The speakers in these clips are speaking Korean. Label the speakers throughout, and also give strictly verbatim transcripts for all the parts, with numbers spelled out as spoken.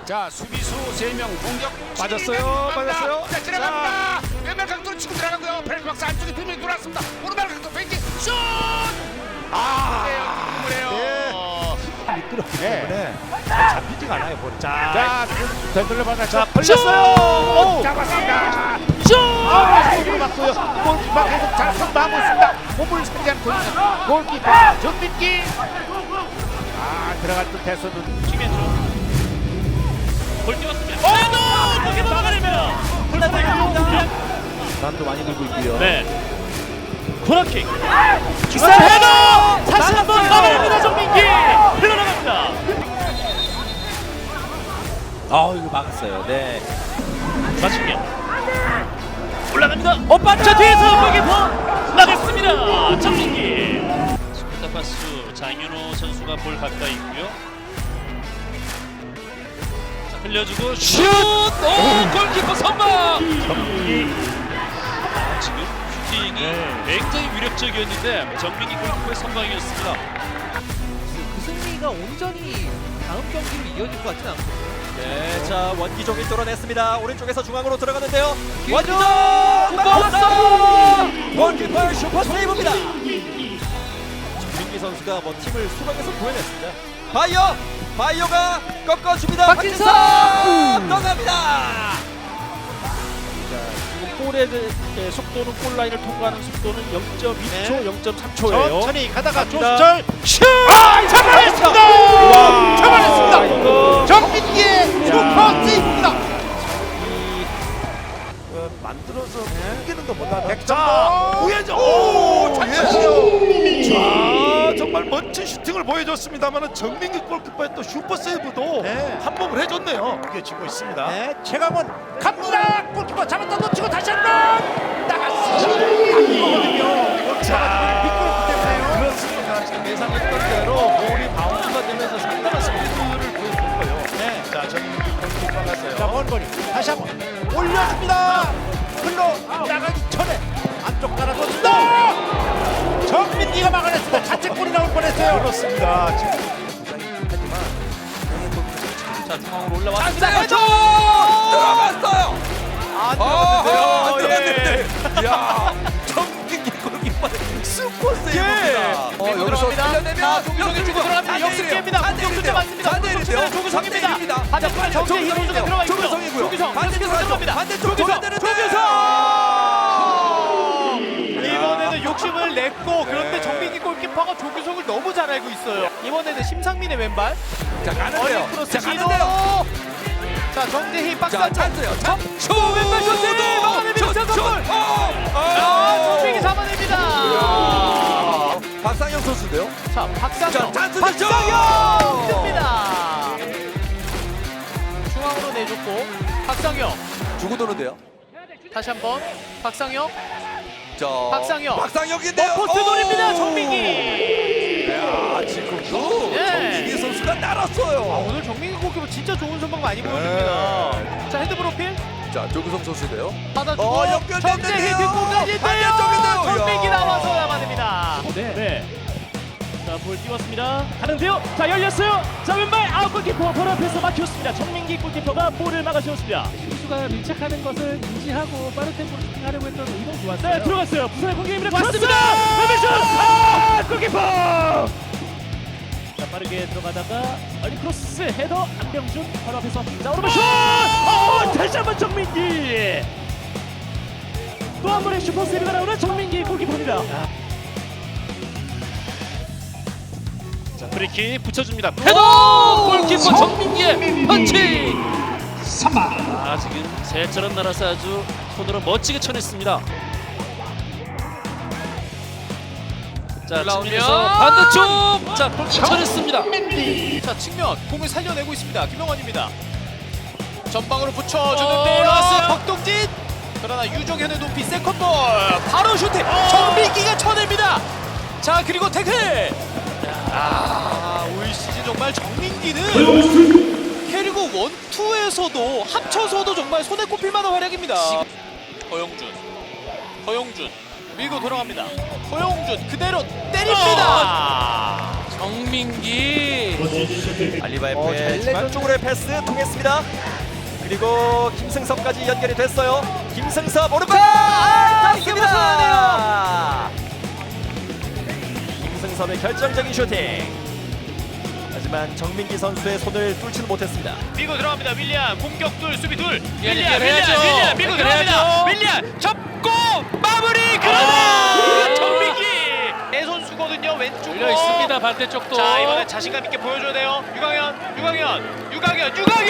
Speaker 1: 자, 수비수 세 명 공격
Speaker 2: 빠졌어요. 빠졌어요.
Speaker 1: 자, 지나갑니다. 왼발 각도로 치고 들어가고요. 페널티 박스 안쪽에 두 명이 돌아왔습니다. 오른발 각도 페인트 슛! 아! 그래요.
Speaker 2: 예. 미끄럽기
Speaker 1: 네.
Speaker 2: 때문에 잡히지가 않아요, 볼이. 자,
Speaker 1: 자, 되돌려 받아.
Speaker 2: 자, 걸렸어요.
Speaker 1: 잡았습니다.
Speaker 2: 슛!
Speaker 1: 아, 골을 맞고요. 골키퍼 계속 잘 선방하고 있습니다. 몸을 살리지 않고 골키퍼 정민기. 아, 들어갈 듯 해서는
Speaker 3: 김현중 골 띄웠습니다. 헤더! 골키퍼 막아냅니다. 불나타입니다.
Speaker 2: 난도 많이 들고 있고요.
Speaker 3: 네. 코너킥. 기사 헤더! 다시 한번 막아냅니다. 정민기. 흘러나갑니다.
Speaker 2: 아, 이거 막았어요. 네.
Speaker 3: 맞춤면 올라갑니다. 오빠 자 뒤에서 골키퍼 막았습니다. 정민기. 스쿠타파스 장윤호 선수가 볼 가까이 있고요. 자, 흘려주고 슛! 오 골키퍼 선방. 정민기. 아, 지금 슈팅이
Speaker 2: 네.
Speaker 3: 굉장히 위력적이었는데 정민기 골키퍼의 선방이었습니다.
Speaker 4: 그 승리가 온전히 다음 경기로 이어질 것 같지는 않거든요.
Speaker 5: 네, 자 원기종이 뚫어냈습니다. 오른쪽에서 중앙으로 들어가는데요.
Speaker 4: 원기종!
Speaker 5: 원기종! 원키퍼 슈퍼 세이브입니다. 정민기 선수가 뭐 팀을 수박에서 구해냈습니다. 바이오! 바이오가 꺾어줍니다.
Speaker 4: 박진서!
Speaker 5: 박진서! 떠납니다.
Speaker 2: 지금 골의 그, 속도는 골 라인을 통과하는 속도는 영 점 이 초, 영 점 삼 초예요.
Speaker 1: 천천히 가다가
Speaker 2: 갑니다.
Speaker 1: 조수철 슛!
Speaker 2: 아,
Speaker 1: 잡아냈습니다.
Speaker 2: 우와.
Speaker 1: 잡아냈습니다.
Speaker 2: 이거
Speaker 1: 정민기의 슈퍼 세이브입니다.
Speaker 2: 이 어, 만들어서 숨기는 것보다는
Speaker 1: 백점도
Speaker 2: 우회전.
Speaker 1: 오, 잘 찼어요.
Speaker 2: 자, 정말 멋진 슈팅을 보여줬습니다만은 정민기 골키퍼의 또 슈퍼 세이브도
Speaker 1: 네.
Speaker 2: 한몫을 해줬네요. 이게 지고 있습니다.
Speaker 1: 네, 최강원 갑니다. 골키퍼 잡았다 놓치고 다시 한번 나갔습니다. 이거거든요.
Speaker 2: 자,
Speaker 1: 미끄럽기 때문에요.
Speaker 2: 그렇습니다. 지금 예상했던 대로 볼이 바운드가 되면서 상당한 스피드를 보여준 거예요.
Speaker 1: 네.
Speaker 2: 자, 정민기 골키퍼 갔어요.
Speaker 1: 자, 먼 거리 다시 한번 올려줍니다. 흘러 나가기 전에 안쪽 깔아줬습니다. 정민기가 막아냈습니다. 자책골이 나올 뻔했어요.
Speaker 2: 그렇습니다. 지금
Speaker 3: 자 중앙으로 올라왔습니다.
Speaker 5: 헤더! 들어갔어요.
Speaker 4: 안
Speaker 5: 아, 안
Speaker 4: 들어갔는데요.
Speaker 5: 들어갔는데. 야, 정민기 골키퍼 슈퍼 세이브입니다. 어,
Speaker 4: 밀고
Speaker 5: 여기서
Speaker 4: 들어갑니다.
Speaker 5: 끌려내면
Speaker 4: 자, 조규성이 치고 들어갑니다. 역습기입니다. 공격수대 맞습니다. 공격수대 조규성입니다. 반대편에 정재희 선수가 들어가 있고요.
Speaker 5: 조규성이고요.
Speaker 4: 조규성
Speaker 5: 반대쪽
Speaker 4: 반대쪽으로 들어갑니다.
Speaker 5: 반대쪽
Speaker 4: 조규성
Speaker 5: 줘야 되는데.
Speaker 4: 조규성 이번에는 욕심을 냈고 그런데 정민기 골키퍼가 조규성을 너무 잘 알고 있어요. 이번에는 심상민의 왼발
Speaker 5: 자, 가는데요.
Speaker 4: 어린 크로스
Speaker 5: 자,
Speaker 4: 시도.
Speaker 5: 가는데요.
Speaker 4: 자 정재희 박스
Speaker 5: 자,
Speaker 4: 안쪽
Speaker 5: 찬스요. 찬. 슛!
Speaker 4: 왼발 슛! 막아냅니다.
Speaker 5: 슛!
Speaker 4: 선골.
Speaker 5: 슛! 어!
Speaker 4: 아 정민기 잡아냅니다.
Speaker 5: 아, 박상현 선수인데요.
Speaker 4: 자 박상영
Speaker 5: 자, 찬스
Speaker 4: 박상영 뜹니다. 중앙으로 내줬고 박상영
Speaker 5: 주고 도는데요.
Speaker 4: 다시 한번 박상영
Speaker 5: 자,
Speaker 4: 박상혁.
Speaker 5: 박상혁인데요.
Speaker 4: 포스트
Speaker 5: 오!
Speaker 4: 노립니다. 정민기.
Speaker 5: 야, 지금도
Speaker 4: 예.
Speaker 5: 정민기 선수가 날았어요.
Speaker 4: 아, 오늘 정민기 골키퍼 진짜 좋은 선방 많이 보여줍니다. 자 헤드 프로필
Speaker 5: 자, 조규성 선수인데요.
Speaker 4: 받아주고
Speaker 5: 어, 연결됐는데요.
Speaker 4: 정재희 뒷공간인데요.
Speaker 5: 반대쪽인데요.
Speaker 4: 정민기
Speaker 5: 이야.
Speaker 4: 나와서 잡아냅니다.
Speaker 3: 네. 네. 자, 볼 띄웠습니다. 가는데요. 자, 열렸어요. 자, 왼발 아웃 골키퍼 바로 앞에서 막혔습니다. 정민기 골키퍼가 볼을 막아주었습니다.
Speaker 6: 선수가 밀착하는 것을 인지하고 빠른 템포로 슈팅하려고 했던 이동 좋았어요.
Speaker 3: 네, 들어갔어요. 부산의 공격입니다. 왔습니다. 왼발 슛! 아, 골키퍼! 자, 빠르게 들어가다가 얼리 크로스 헤더 안병준 바로 앞에서 자, 오른발 슛! 어, 다시 한번 정민기. 또 한 번의 슈퍼 세이브가 나오는 정민기 골키퍼입니다. 자, 브레이키 붙여줍니다. 헤더! 골키퍼 정민기의 펀치! 아, 지금 새처럼 날아서 아주 손으로 멋지게 쳐냈습니다. 자,
Speaker 4: 올라오면
Speaker 3: 측면에서 반대쪽! 자, 골키퍼 쳐냈습니다.
Speaker 4: 자 측면 공을 살려내고 있습니다. 김영환입니다. 전방으로
Speaker 3: 어,
Speaker 4: 붙여주는데요.
Speaker 3: 나왔어요.
Speaker 4: 박동진. 그러나 유종현의 높이 세컨볼 바로 슈팅. 정민기가 쳐냅니다. 자 그리고 태클. 아, 올 시즌 정말 정민기는 캐리고 원투에서도 합쳐서도 정말 손에 꼽힐 만한 활약입니다. 허영준, 허영준 밀고 돌아갑니다. 허영준 그대로 때립니다.
Speaker 7: 정민기
Speaker 5: 알리바이프의 중앙 쪽으로의 패스 통했습니다. 그리고 김승섭까지 연결이 됐어요. 김승섭 오른발 아, 김승섭의 결정적인 슈팅. 하지만 정민기 선수의 손을 뚫지는 못했습니다.
Speaker 4: 밀고 들어갑니다. 윌리안 공격 둘 수비 둘.
Speaker 7: 예,
Speaker 4: 윌리안
Speaker 7: 해야죠.
Speaker 4: 윌리안 윌리안 밀고
Speaker 7: 해야죠.
Speaker 4: 들어갑니다. 윌리안 접고 마무리. 그러나 정민기 내 선수거든요. 왼쪽으로
Speaker 7: 열려 있습니다. 반대쪽도.
Speaker 4: 자 이번에 자신감 있게 보여줘야 돼요. 유강현 유강현 유강현 유강현.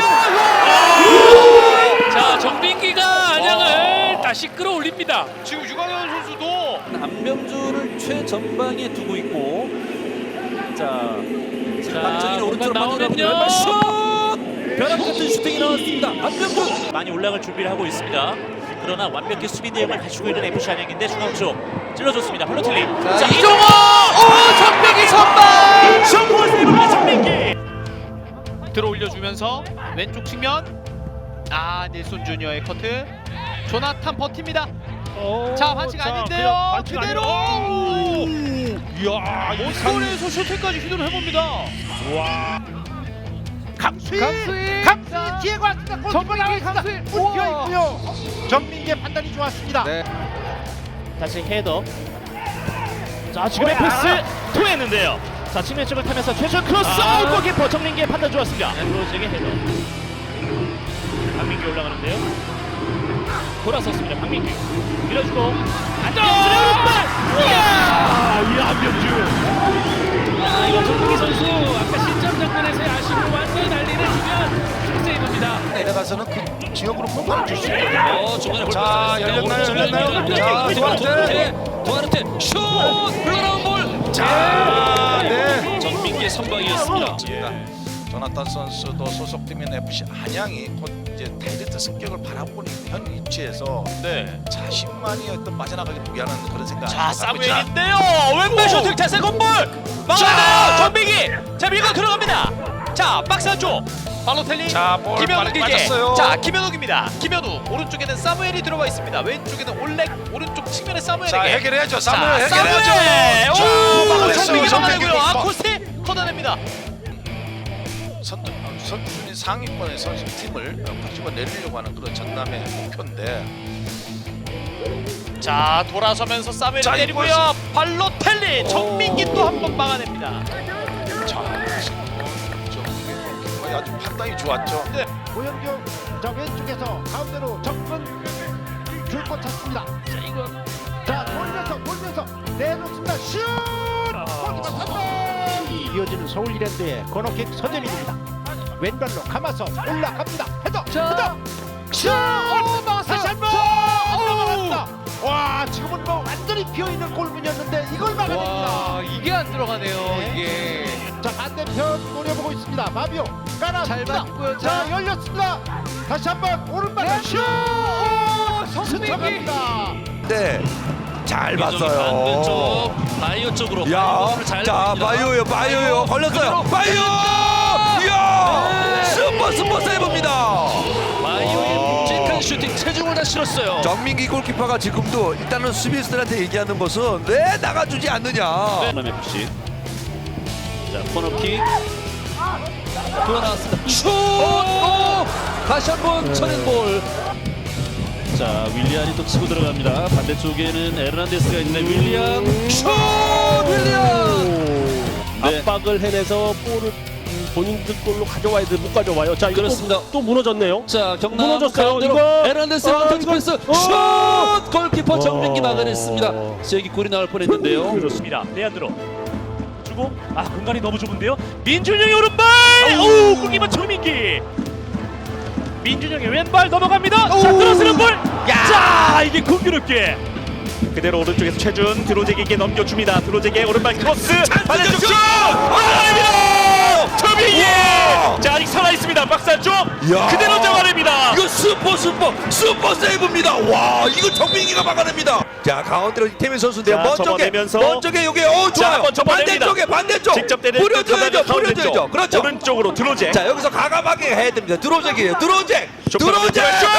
Speaker 7: 자, 정민기가 안양을 다시 끌어올립니다.
Speaker 4: 지금 유강현 선수도
Speaker 5: 안명주를 최전방에 두고 있고 자
Speaker 7: 자,
Speaker 5: 박정희는 오른쪽으로
Speaker 7: 공간
Speaker 5: 빠져나오고
Speaker 7: 나오면요.
Speaker 5: 왼발 슛! 벼락 같은 슈팅이 나왔습니다. 안명주
Speaker 3: 많이 올라갈 준비를 하고 있습니다. 그러나 완벽히 수비 내용을 갖추고 있는 에프씨 안양인데 중앙 쪽 찔러줬습니다. 팔로틀리.
Speaker 7: 자, 이종호! 오, 정민기 선방!
Speaker 3: 슈퍼 세이브입니다. 정민기.
Speaker 4: 들어 올려주면서 왼쪽 측면. 아 닐손 주니어의 커트. 조나탄 버팁니다. 자 반칙 아닌데요. 그대로.
Speaker 3: 이야,
Speaker 4: 원골에서 슈팅까지 시도를 해봅니다.
Speaker 1: 강수희 강수희 강수희 뒤에 왔습니다. 골키퍼 나와있습니다. 뛰어 있고요. 정민기의 판단이 좋았습니다.
Speaker 3: 다시 헤더. 자, 지금의 패스 통했는데요. 자, 측면 쪽을 타면서 최준 크로스.
Speaker 7: 아.
Speaker 3: 아, 골키퍼 정민기의 판단 좋았습니다. 로즈에게 헤더. 박민기 올라가는데요. 돌아섰습니다. 박민기 밀어주고 안정준의 오른발. 이야, 이 안병주. 아, 이거 정민기 선수 아까 실점 장면에서의 아쉬움을 완전히 날리는 중요한 세이브입니다.
Speaker 1: 내려가서는 그 지역으로 폭발을 줄 수 있거든요.
Speaker 7: 어, 중간에 볼
Speaker 1: 자, 열렸나요? 열렸나요? 자,
Speaker 7: 도아르테, 도아르테 슛! 흘러나온 볼.
Speaker 1: 자, 네.
Speaker 7: 정민기의 선방이었습니다.
Speaker 8: 조나탄 선수도 소속팀인 에프씨 안양이 곧 이제 다이렉트 승격을 바라보고 있는 현 위치에서
Speaker 4: 네.
Speaker 8: 자신만이 어떤 빠져나가기 위한 그런 생각.
Speaker 4: 자 사무엘인데요. 왼발 슈팅 자 세컨볼 막아요. 정민기 자 밀고 들어갑니다. 자 박스 안쪽 발로텔리
Speaker 8: 자, 볼
Speaker 4: 김현욱에게
Speaker 8: 맞았어요.
Speaker 4: 자 김현욱입니다. 김현욱 오른쪽에는 사무엘이 들어가 있습니다. 왼쪽에는 올렉 오른쪽 측면에 사무엘에게
Speaker 8: 자 해결해야죠.
Speaker 4: 자,
Speaker 8: 사무엘
Speaker 4: 사무엘!
Speaker 8: 해결해야죠.
Speaker 4: 오
Speaker 8: 자,
Speaker 4: 막아냈어요. 정민기
Speaker 8: 정민기
Speaker 4: 막아내고요.
Speaker 8: 골키퍼.
Speaker 4: 아코스테 걷어냅니다.
Speaker 8: 선두 선수순위 상위권의 선수팀을 가지고 내리려고 하는 그런 전남의 목표인데.
Speaker 4: 자 돌아서면서 사무엘이
Speaker 8: 자,
Speaker 4: 때리고요. 발로텔리 정민기 또 한 번 막아냅니다.
Speaker 8: 자 지금 저 골키퍼의 아주 판단이 좋았죠.
Speaker 4: 네.
Speaker 1: 고현경 자 왼쪽에서 가운데로 접근 줄곧 찾습니다.
Speaker 3: 자, 이거
Speaker 1: 자 돌면서 돌면서 내놓습니다. 슛! 골키퍼 선방! 이어지는 서울 이랜드의 코너킥 선제입니다. 왼발로 감아서 올라갑니다. 헤더! 헤더! 슛! 오, 막았어요! 다시 한 번! 막았다! 와 지금은 뭐 완전히 비어있는 골문이었는데 이걸 막아냅니다.
Speaker 4: 이게 안 들어가네요.
Speaker 1: 네.
Speaker 4: 이게.
Speaker 1: 자 반대편 노려보고 있습니다. 마비오 깔아줍니다. 자 열렸습니다. 다시 한번 오른발 슛! 스쳐갑니다.
Speaker 5: 네. 잘
Speaker 7: 반대쪽 바이오 쪽으로
Speaker 5: 야,
Speaker 7: 바이오를 잘
Speaker 5: 자,
Speaker 7: 봅니다.
Speaker 5: 바이오요, 바이오요, 걸렸어요. 바이오! 이야, 슈퍼 슈퍼 세이브입니다.
Speaker 7: 바이오의 묵직한 슈팅 체중을 다 실었어요.
Speaker 5: 정민기 골키퍼가 지금도 일단은 수비수들한테 얘기하는 것은 왜 나가주지 않느냐.
Speaker 3: 전남 에프씨. 자, 코너킥.
Speaker 7: 돌아 나왔습니다. 슛! 오! 다시 한번 쳐낸 볼.
Speaker 3: 자, 윌리안이 또 치고 들어갑니다. 반대쪽에는 에르난데스가 있는데 윌리안
Speaker 5: 슛! 윌리안!
Speaker 3: 네.
Speaker 6: 압박을 해내서 볼을 음, 본인들 골로 가져와야 돼. 못 가져와요. 자, 이거
Speaker 7: 그렇습니다.
Speaker 6: 또, 또 무너졌네요.
Speaker 7: 자, 경남
Speaker 6: 무너졌어요.
Speaker 7: 가운데로
Speaker 6: 이거.
Speaker 7: 에란데스의
Speaker 6: 어,
Speaker 7: 원터치
Speaker 6: 이거.
Speaker 7: 패스
Speaker 6: 어.
Speaker 7: 슛! 골키퍼 정민기
Speaker 6: 어.
Speaker 7: 막아냈습니다. 세기 골이 나올 뻔했는데요.
Speaker 3: 그렇습니다. 내안으로 주고 아 공간이 너무 좁은데요. 민준영의 오른발. 오, 골키퍼 정민기. 민준영의 왼발 넘어갑니다. 자, 들어서는 볼. 자, 이게 공교롭게 그대로 오른쪽에서 최준 드로제기에게 넘겨줍니다. 드로제기의 오른발 크로스. 반대쪽 슛. 막아냅니다. 정민기. 자, 아직 살아 있습니다. 박스 안쪽.
Speaker 5: 야.
Speaker 3: 그대로 잡아냅니다.
Speaker 5: 이거 슈퍼 슈퍼 슈퍼 세이브입니다. 와, 이거 정민기가 막아냅니다. 자, 가운데로 이태민 선수인데요.
Speaker 3: 자,
Speaker 5: 먼쪽에
Speaker 3: 접어내면서.
Speaker 5: 먼쪽에 여기 어
Speaker 3: 자,
Speaker 5: 좋아요.
Speaker 3: 한번 접어냅니다.
Speaker 5: 반대쪽에 반대쪽.
Speaker 3: 직접 때리는
Speaker 5: 뿌려줘야죠.
Speaker 3: 가운데
Speaker 5: 뿌려줘야죠.
Speaker 3: 쪽.
Speaker 5: 그렇죠.
Speaker 3: 오른쪽으로 드로제.
Speaker 5: 자, 여기서 가감하게 해야 됩니다. 드로잭이에요. 드로잭. 드로잭.
Speaker 3: 슛!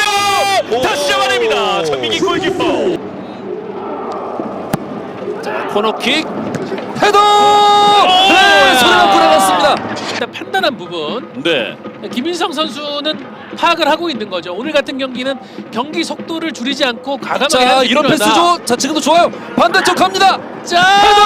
Speaker 3: 정민기! 다시 잡아냅니다. 정민기 골키퍼. 자,
Speaker 7: 코너킥.
Speaker 5: 헤더! 네, 소리가 불어났습니다.
Speaker 7: 일단 판단한 부분.
Speaker 2: 네.
Speaker 7: 김인성 선수는 파악을 하고 있는 거죠. 오늘 같은 경기는 경기 속도를 줄이지 않고 과감하게
Speaker 5: 자,
Speaker 7: 하는
Speaker 5: 이런
Speaker 7: 필요하다.
Speaker 5: 패스죠. 자, 지금도 좋아요. 반대쪽 갑니다.
Speaker 7: 자,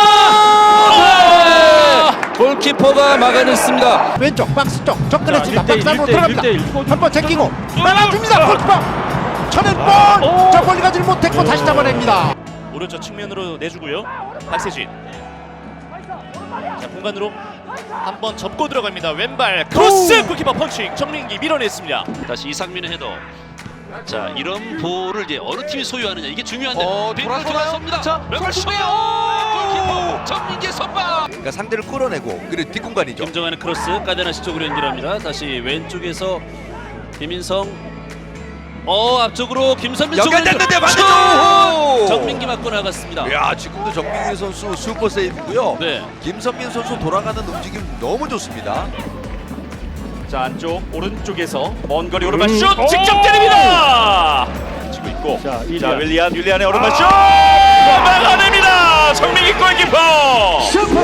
Speaker 5: 네! 골키퍼가 막아냈습니다.
Speaker 1: 왼쪽 박스 쪽 접근했습니다.
Speaker 2: 자, 일 대 일,
Speaker 1: 박스 안으로
Speaker 2: 일 대 일,
Speaker 1: 들어갑니다.
Speaker 2: 일 대 일.
Speaker 1: 한 번 제끼고 막아줍니다. 골키퍼 쳐낸 볼. 저 멀리 가지를 못했고 다시 잡아냅니다.
Speaker 3: 오른쪽 측면으로 내주고요. 박세진. 자, 공간으로 한번 접고 들어갑니다. 왼발 크로스 골키퍼 펀칭. 정민기 밀어냈습니다.
Speaker 2: 다시 이상민의 헤더. 자, 이런 볼을 이제 어느 팀이 소유하느냐 이게 중요한데.
Speaker 5: 어,
Speaker 2: 빈볼
Speaker 5: 돌아서나요?
Speaker 2: 돌아섭니다.
Speaker 5: 자,
Speaker 2: 왼발 슛!
Speaker 5: 골키퍼!
Speaker 2: 골키퍼 정민기의 선방.
Speaker 5: 그러니까 상대를 끌어내고 그리고 뒷공간이죠.
Speaker 2: 김정환의 크로스 까데나시 쪽으로 연결합니다. 다시 왼쪽에서 김인성. 어, 앞쪽으로 김선민 쪽으로
Speaker 5: 연결됐는데
Speaker 2: 연결.
Speaker 5: 반대쪽!
Speaker 2: 슛! 정민기 맞고 나갔습니다.
Speaker 5: 야, 지금도 정민기 선수 슈퍼 세이브고요.
Speaker 2: 네.
Speaker 5: 김선민 선수 돌아가는 움직임 너무 좋습니다.
Speaker 3: 자, 안쪽 오른쪽에서 먼 거리 오른발 슛 직접 때립니다. 치고 있고.
Speaker 2: 자,
Speaker 3: 자,
Speaker 2: 윌리안.
Speaker 3: 윌리안 윌리안의 오른발 슛 막아냅니다. 정민기 골키퍼.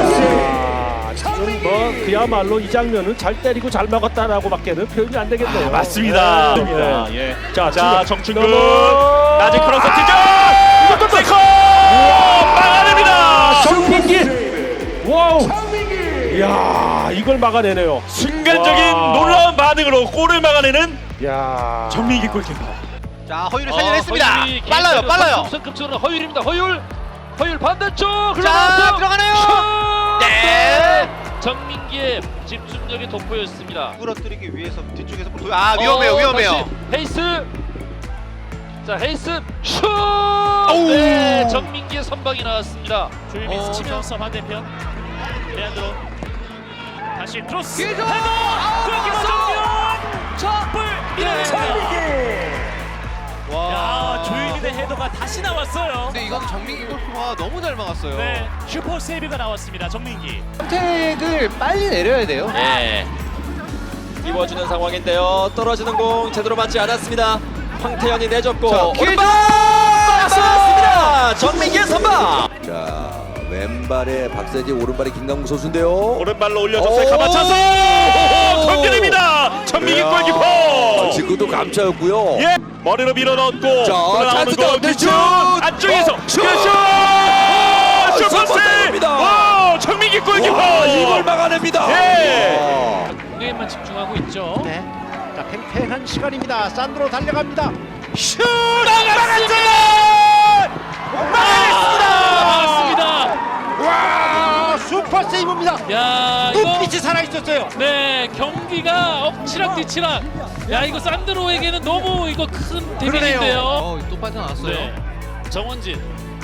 Speaker 2: 지금 뭐 그야말로 이 장면은 잘 때리고 잘 막았다라고밖에는 표현이 안 되겠네요.
Speaker 3: 맞습니다.
Speaker 2: 네.
Speaker 3: 예.
Speaker 2: 자,
Speaker 3: 자,
Speaker 2: 지금
Speaker 3: 정충근
Speaker 2: 넘어.
Speaker 3: 낮은 크로스 튀겨. 이것도 세컨 막아냅니다.
Speaker 2: 정민기. 와우. 이야, 이걸 막아내네요.
Speaker 3: 순간적인
Speaker 2: 와.
Speaker 3: 놀라운 반응으로 골을 막아내는
Speaker 2: 야.
Speaker 3: 정민기 골키퍼.
Speaker 4: 자, 허율을
Speaker 7: 어,
Speaker 4: 살려냈습니다.
Speaker 7: 허율이
Speaker 4: 빨라요,
Speaker 7: 개인적으로
Speaker 4: 빨라요.
Speaker 7: 선급적으로 허율입니다. 허율. 허율 반대쪽.
Speaker 4: 자, 들어가네요. 네.
Speaker 7: 정민기의 집중력이 돋보였습니다.
Speaker 4: 끌어뜨리기 위해서 뒤쪽에서 볼- 아, 위험해요,
Speaker 7: 어,
Speaker 4: 위험해요.
Speaker 7: 다시 헤이스. 자, 헤이스 슛. 네, 정민기의 선방이 나왔습니다.
Speaker 3: 조유민
Speaker 4: 어,
Speaker 3: 스치면서 반대편 레안드로 다시 크로스
Speaker 4: 뒤에서!
Speaker 3: 헤더 골키퍼 정면 첫볼 밀어냅니다. 야, 조유민의 헤더가 다시 나왔어요.
Speaker 4: 근데 이건 정민기 골키퍼가 너무 잘 막았어요.
Speaker 3: 네, 슈퍼 세이브가 나왔습니다. 정민기.
Speaker 4: 선택을 빨리 내려야 돼요.
Speaker 2: 네.
Speaker 9: 띄워주는 상황인데요. 떨어지는 공 제대로 맞지 않았습니다. 황태현이 내줬고
Speaker 4: 자,
Speaker 9: 오른발 맞습니다. 정민기의 선방.
Speaker 5: 자, 왼발에 박세지, 오른발에 김강국 선수인데요.
Speaker 3: 오른발로 올려줬어요.
Speaker 5: 오!
Speaker 3: 가마차서 건드립니다. 정민기
Speaker 5: 야,
Speaker 3: 골키퍼.
Speaker 5: 지금도 감차였고요.
Speaker 3: 예, 머리로 밀어넣고
Speaker 5: 자,
Speaker 3: 나오는
Speaker 5: 찬스다.
Speaker 3: 골
Speaker 5: 네,
Speaker 3: 뒷슛
Speaker 5: 슛!
Speaker 3: 안쪽에서
Speaker 5: 어,
Speaker 3: 슛!
Speaker 5: 슛!
Speaker 3: 슈퍼
Speaker 5: 슈퍼
Speaker 3: 세이브.
Speaker 5: 세이브입니다.
Speaker 3: 와, 정민기 골키퍼.
Speaker 5: 와, 이걸 막아냅니다.
Speaker 3: 예.
Speaker 5: 와.
Speaker 7: 공격에만 집중하고 있죠.
Speaker 1: 네. 자, 팽팽한 시간입니다. 산드로 달려갑니다.
Speaker 3: 슛! 막았습니다.
Speaker 7: 막았습니다.
Speaker 1: 와, 슈퍼 세이브입니다.
Speaker 7: 야, 이거
Speaker 1: 눈빛이 살아 있었어요.
Speaker 7: 네, 경기가 엎치락 뒤치락. 야, 이거 산드로에게는 너무 이거 큰 데미지인데요.
Speaker 4: 어, 또 빠져나왔어요.
Speaker 7: 네. 정원진.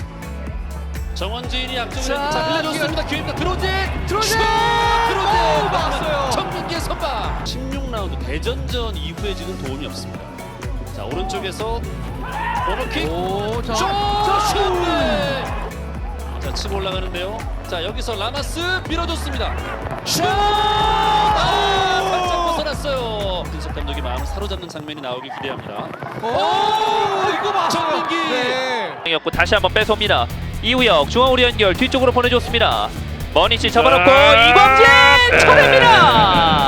Speaker 7: 정원진이 앞쪽으로 자, 흘려줬습니다. 기회입니다. 드로진! 드로진! 드로진!
Speaker 4: 막았어요.
Speaker 7: 정민기의 선방!
Speaker 2: 십육 라운드 대전전 이후에 지금 도움이 없습니다. 자, 오른쪽에서 코너킥.
Speaker 4: 오, 자,
Speaker 7: 슛!
Speaker 4: 자,
Speaker 7: 슛! 네. 자, 치고 올라가는데요. 자, 여기서 라마스 밀어줬습니다. 슛! 아, 살짝 벗어났어요. 김석 감독이 마음을 사로잡는 장면이 나오길 기대합니다.
Speaker 4: 오, 이거 맞아요.
Speaker 7: 정민기!
Speaker 4: 네.
Speaker 10: 였고 다시 한번 뺏어옵니다. 이우혁 중앙으로 연결 뒤쪽으로 보내줬습니다. 머니치 접어놓고
Speaker 2: 자,
Speaker 10: 이광진
Speaker 2: 네.
Speaker 10: 쳐냅니다.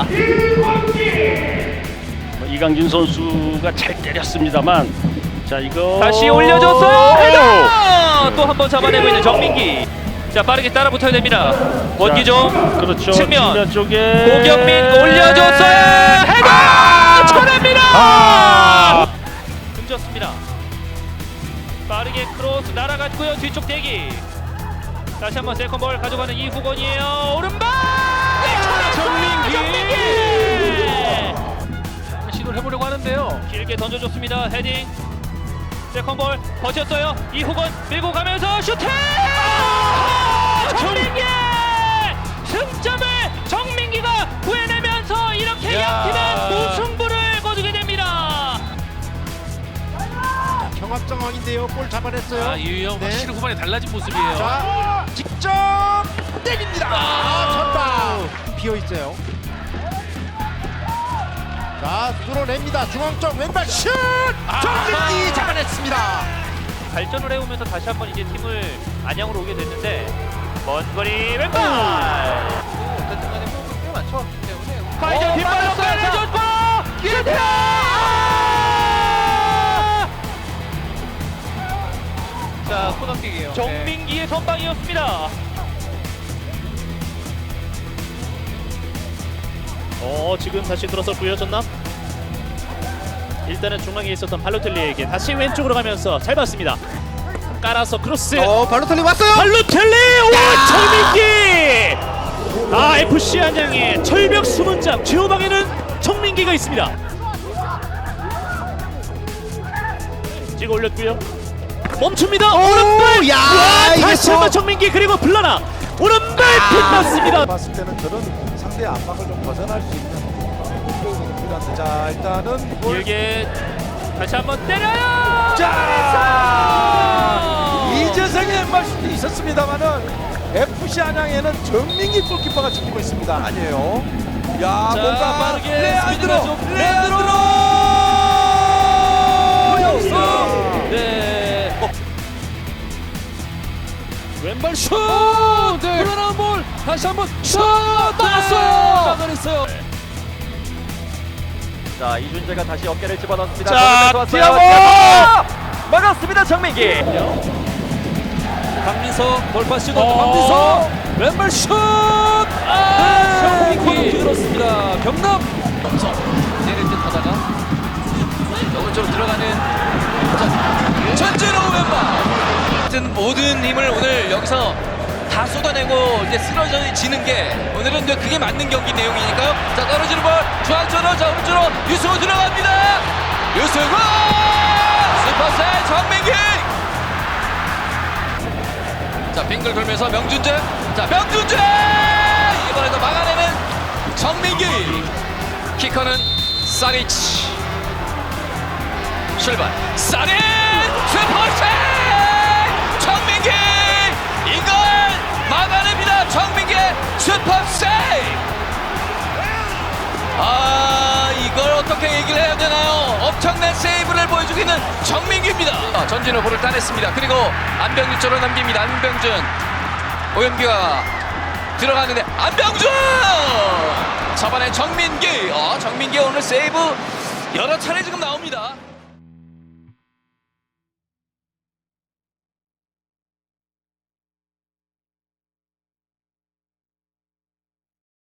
Speaker 2: 뭐 이강진 선수가 잘 때렸습니다만, 자, 이거
Speaker 10: 다시 올려줬어요. 헤더 또 한 번 잡아내고 있는 정민기. 자, 빠르게 따라 붙어야 됩니다. 원기종
Speaker 2: 그렇죠.
Speaker 10: 측면.
Speaker 2: 측면 쪽에
Speaker 10: 고경민 올려줬어요. 헤더 쳐냅니다.
Speaker 2: 아!
Speaker 10: 던졌습니다. 빠르게 크로스 날아갔고요. 뒤쪽 대기. 다시 한번 세컨볼 가져가는 이후건이에요. 오른발.
Speaker 7: 정민기!
Speaker 10: 정민기.
Speaker 7: 시도를 해보려고 하는데요.
Speaker 10: 길게 던져줬습니다. 헤딩. 세컨볼 버텼어요. 이후건 밀고 가면서 슈팅. 정민기. 승점을 정민기가 구해내면서 이렇게
Speaker 7: 야.
Speaker 10: 양팀은 무승부를 거두게 됩니다.
Speaker 1: 경합 상황인데요. 골 잡아냈어요.
Speaker 7: 아, 이유영
Speaker 1: 네.
Speaker 7: 확실히 후반에 달라진 모습이에요.
Speaker 1: 자, 직접 때립니다. 아, 전방 비어 있어요. 자, 뚫어냅니다. 중앙쪽 왼발 슛! 정민기 잡아냈습니다.
Speaker 10: 발전을 해오면서 다시 한번 이제 팀을 안양으로 오게 됐는데 먼 거리 왼발.
Speaker 4: 어쨌든 간에 호흡이 꽤 많죠. 때문에
Speaker 10: 파이저 뒷발로 빼내줬고 기회다.
Speaker 4: 자 코너킥이에요.
Speaker 10: 정민기의 선방이었습니다.
Speaker 3: 어 지금 다시 들어섰고요 전남. 일단은 중앙에 있었던 발로텔리에게 다시 왼쪽으로 가면서 잘 봤습니다. 깔아서 크로스.
Speaker 1: 어 발로텔리 왔어요.
Speaker 3: 발로텔리 와 정민기. 아 에프씨 안양의 철벽 수문장 최후방에는 정민기가 있습니다. 찍어 올렸고요. 멈춥니다. 오른발.
Speaker 1: 야,
Speaker 3: 와,
Speaker 1: 이게
Speaker 3: 다시
Speaker 1: 또-
Speaker 3: 한번 정민기 그리고 블라나 오른발 빗났습니다.
Speaker 8: 봤을 때는 저런 상대 압박을 좀 벗어날 수 있는 공격이 필요한데 자 일단은 볼-
Speaker 10: 길게 다시 한번 때려요.
Speaker 8: 자 이재성의 왼발 수도 있었습니다만은 에프씨 안양에는 정민기 골키퍼가 지키고 있습니다. 아니에요. 야
Speaker 7: 자,
Speaker 8: 뭔가
Speaker 7: 빠르게
Speaker 8: 레안드로
Speaker 7: 스피드가 좀-
Speaker 8: 레안드로
Speaker 7: 여기서 네. 어. 왼발 슛! 네. 불안한 볼 다시 한번 슛! 막았어요. 막아냈어요.
Speaker 9: 자 이준재가 다시 어깨를 집어넣습니다.
Speaker 3: 자,
Speaker 9: 좋았어요.
Speaker 3: 디아고!
Speaker 9: 디아고! 막았습니다 정민기.
Speaker 7: 박민석 돌파 시도
Speaker 3: 어.
Speaker 7: 박민석 왼발 슛! 아, 네. 코너 들었습니다. 경남
Speaker 4: 내릴 듯 하다가 오른쪽으로 들어가는 전진호 왼발. 하여튼 모든 힘을 오늘 여기서 다 쏟아내고 이제 쓰러지는 게 오늘은 이제 그게 맞는 경기 내용이니까요. 자 떨어지는 볼 중앙쪽으로 자 오른쪽으로 유승호 들어갑니다. 유승호 슈퍼세 정민기. 자 빙글 돌면서 명준재 자 명준재 이번에도 막아내는 정민기. 키커는 사리치. 출발 사리치 슈퍼세 정민기 이걸 막아냅니다. 정민기의 슈퍼세이브. 아 이걸 어떻게 얘기를 해야 되나요? 엄청난 세이브를 보여주고 있는 정민기입니다. 아, 전진호 볼을 따냈습니다. 그리고 안병준 쪽으로 넘깁니다. 안병준 오연기가 들어가는데 안병준 잡아낸 정민기. 어, 정민기 오늘 세이브 여러 차례 지금 나옵니다.